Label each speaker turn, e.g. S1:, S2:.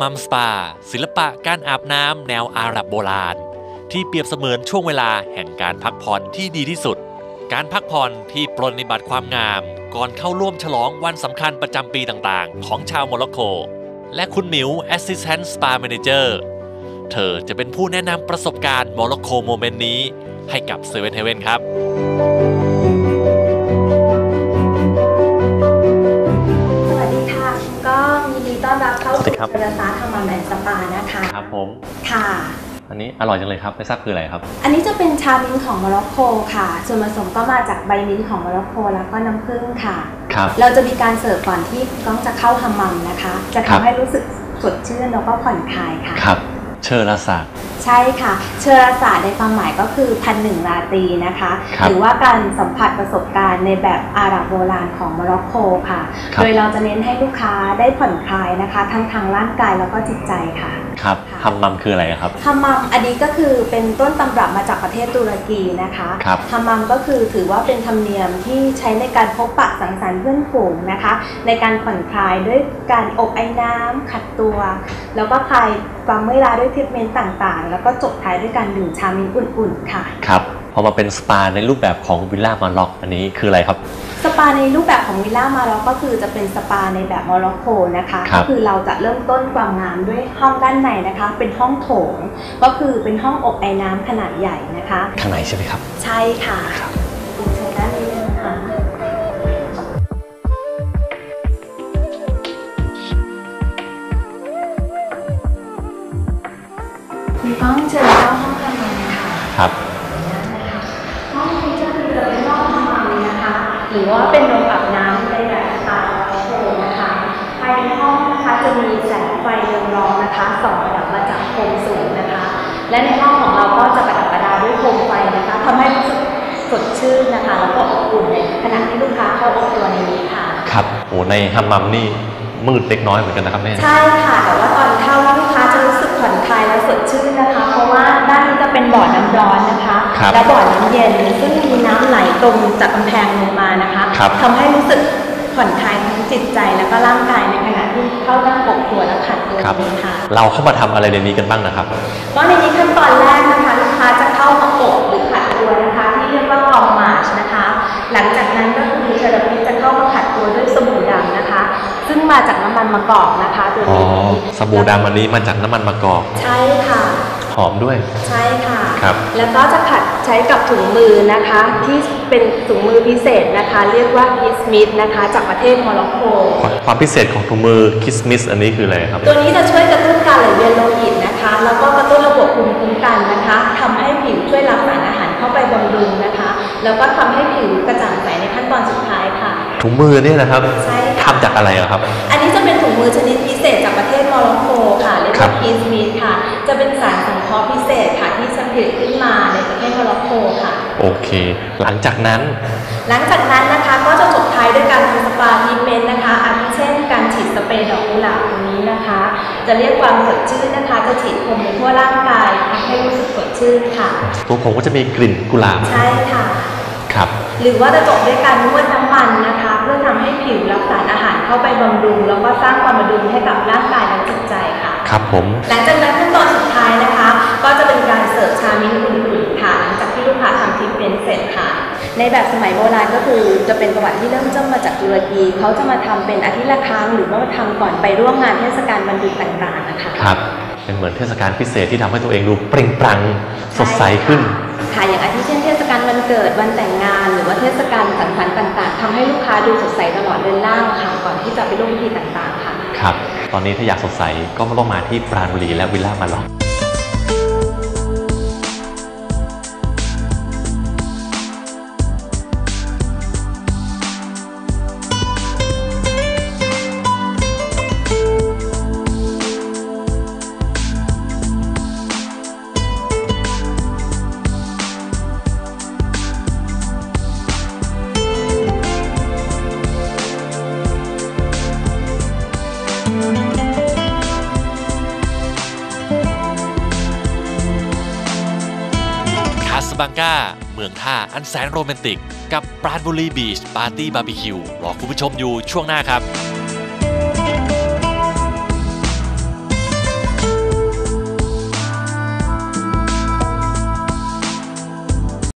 S1: มัมสปาศิลปะการอาบน้ำแนวอาหรับโบราณที่เปรียบเสมือนช่วงเวลาแห่งการพักผ่อนที่ดีที่สุดการพักผ่อนที่ปรนนิบัติความงามก่อนเข้าร่วมฉลองวันสำคัญประจำปีต่างๆของชาวโมร็อกโกและคุณหมิว Assistant Spa Manager เธอจะเป็นผู้แนะนำประสบการณ์โมร็อกโกโมเมนต์นี้ให้กับเซเว่นเฮเว่นครับ
S2: สวัสดีค่ะคุณก้องยินดีต้อนรับเข้าสู่เจริญซาทำมัมแอนด์สปานะคะ
S3: ครับผม
S2: ค่ะ
S3: อันนี้อร่อยจังเลยครับไม่ทราบคืออะไรครับ
S2: อันนี้จะเป็นชามิ้นท์ของโมร็อกโกค่ะส่วนผสมก็มาจากใบมิ้นท์ของโมร็อกโกแล้วก็น้ำผึ้งค่ะ
S3: ครับ
S2: เราจะมีการเสิร์ฟก่อนที่ก้องจะเข้าฮัมมัมนะคะจะทำให้รู้สึกสดชื่นแล้วก็ผ่อนคลายค่ะ
S3: ครับเชอราซา
S2: ใช่ค่ะเชอราซาในความหมายก็คือ1,001 ราตรีนะคะหรือว่าการสัมผัสประสบการณ์ในแบบอาหรับโบราณของโมร็อกโกค่ะโดยเราจะเน้นให้ลูกค้าได้ผ่อนคลายนะคะทั้งทางร่างกายแล้วก็จิตใจค่ะ
S3: ครับฮัมมัมคืออะไรครับ
S2: ฮัมมัมอันนี้ก็คือเป็นต้นตำรับมาจากประเทศตุรกีนะคะฮัมมัมก็คือถือว่าเป็นธรรมเนียมที่ใช้ในการพบปะสังสรรค์เพื่อนฝูงนะคะในการผ่อนคลายด้วยการอบไอ้น้ำขัดตัวแล้วก็คลายความเมื่อยล้าด้วยทรีทเมนต์ต่างๆแล้วก็จบท้ายด้วยการดื่มชามิ้นท์อุ่นๆค่ะ
S3: ครับพอมาเป็นสปาในรูปแบบของวิลล่ามาร็อกอันนี้คืออะไรครับ
S2: สปาในรูปแบบของวิลล่ามาร็อกก็คือจะเป็นสปาในแบบโมร็อกโกนะคะก็คือเราจะเริ่มต้นความงามด้วยห้องด้านในนะคะเป็นห้องโถงก็คือเป็นห้องอบไอ้น้ำขนาดใหญ่นะคะ
S3: ข้างในใช่ไหมครับ
S2: ใช่ค่ะเชิญด้านนี้เลยนะคะคุณก้องเชิญเข้าห้องทำงานค่ะ
S3: ครับ
S2: ห้องนี้ก็คือจะเป็นห้องทำงานนะคะหรือว่าเป็นโรงอาบน้ำในแบบสไตล์โมร็อกโกนะคะภายในห้องนะคะจะมีแสงไฟเรืองรองนะคะส่องระดับมาจากโคมสูงนะคะและในห้องของเราก็จะประดับประดาด้วยโคมไฟนะคะทำให้รู้สึกสดชื่นนะคะแล้วก็อบอุ่นในขณะที่ลูกค้าเข้าอบตัวในนี้ค่ะ
S3: ครับโอ้ในฮัมมัมนี่มืดเล็กน้อยเหมือนกันนะครับแม่
S2: ใช่ค่ะแต่ว่าตอนเข้าลูกค้าจะรู้สึกผ่อนคลายและสดชื่นนะคะเพราะว่าด้านนี้จะเป็นบ่อน้ำร้อนนะคะและบ่อน้ำเย็นซึ่งมีน้ำไหลตรงจากกำแพงลงมานะคะทำให้รู้สึกผ่อนคลายทั้งจิตใจแล้วก็ร่างกายในขณะที่เข้านั่งอบตัวและขัดตัวค่ะ
S3: เราเข้ามาทำอะไรในนี้กันบ้างนะครับ
S2: ก็ในนี้ขั้นตอนแรกนะคะลูกค้าจะเข้ามาอบหรือขัดตัวนะคะที่เรียกว่าคอมมาชนะคะหลังจากนั้นก็คือเทอราพิสจะเข้ามาขัดตัวด้วยสบู่ดำนะคะซึ่งมาจากน้ำมันมะกอกนะคะตัวนี้
S3: สบู่ดำอันนี้มาจากน้ำมันมะกอก
S2: ใช่ค่ะ
S3: หอมด้วย
S2: ใช่ค่ะ
S3: ครับ
S2: แล้วก็จะขัดใช้กับถุงมือนะคะที่เป็นถุงมือพิเศษนะคะเรียกว่าคิสมิสนะคะจากประเทศโมร็อกโก
S3: ความพิเศษของถุงมือคิสมิสอันนี้คืออะไรครับ
S2: ตัวนี้จะช่วยกระตุ้นการไหลเวียนโลหิตนะคะแล้วก็กระตุ้นระบบภูมิคุ้มกันนะคะทำให้ผิวช่วยรับสารอาหารเข้าไปบำรุงนะคะแล้วก็ทำให้ผิวกระจ่างใสในขั้นตอนสุดท้ายค่ะ
S3: ถุงมือเนี่ยนะครับ
S2: ใช่
S3: ทำจากอะไรครับ
S2: อันนี้จะเป็นถุงมือชนิดพิเศษจากประเทศโมร็อกโกค่ะเรียกว่าคิสมิสค่ะจะเป็นสารสังเคราะห์พิเศษค่ะที่ผลิตขึ้นมาในประเทศโมร็อกโกค่ะ
S3: โอเคหลังจากนั้น
S2: นะคะก็จะจบท้ายด้วยการทำสปาทรีทเมนต์นะคะอาทิเช่นการฉีดสเปรย์ดอกกุหลาบตรงนี้นะคะจะเรียกความสดชื่นนะคะจะฉีดพรมไปทั่วร่างกายทำให้รู้สึกสดชื่นค่ะ
S3: ตัวผมก็จะมีกลิ่นกุหลาบ
S2: ใช่ค่ะ
S3: ครับ
S2: หรือว่าจะจบด้วยการนวดน้ำมันนะคะเพื่อทำให้ผิวรับสารอาหารเข้าไปบำรุงแล้วก็สร้างความบำรุงให้กับร่างกายและจิตใจค่ะ
S3: ครับผม
S2: หลังจากนั้นขั้นตอนสุดท้ายนะคะก็จะเป็นการเสิร์ฟชามิ้นท์อุ่นๆค่ะหลังจากที่ลูกค้าทำทรีทเมนต์เสร็จค่ะในแบบสมัยโบราณก็คือจะเป็นประวัติที่เริ่มต้นมาจากตุรกีเขาจะมาทำเป็นอาทิตย์ละครั้งหรือว่าทำก่อนไปร่วมงานเทศกาลวันหยุดต่างๆนะคะ
S3: ครับเป็นเหมือนเทศกาลพิเศษที่ทำให้ตัวเองดูเปล่งปลั่งสดใสขึ้น
S2: ค่ะอย่างอาทิเช่นเทศกาลวันเกิดวันแต่งงานหรือว่าเทศกาลสังสรรค์ต่างๆทำให้ลูกค้าดูสดใสตลอดเดือนล่างค่ะก่อนที่จะไปร่วมพิธีต่างๆค่ะ
S3: ครับตอนนี้ถ้าอยากสดใสก็ต้องมาที่ปราณบุรีและวิลล่ามาร็อก
S1: บังกาเมืองท่าอันแสนโรแมนติกกับปราณบุรีบีชปาร์ตี้บาร์บีคิวรอคุณผู้ชมอยู่ช่วงหน้าครับ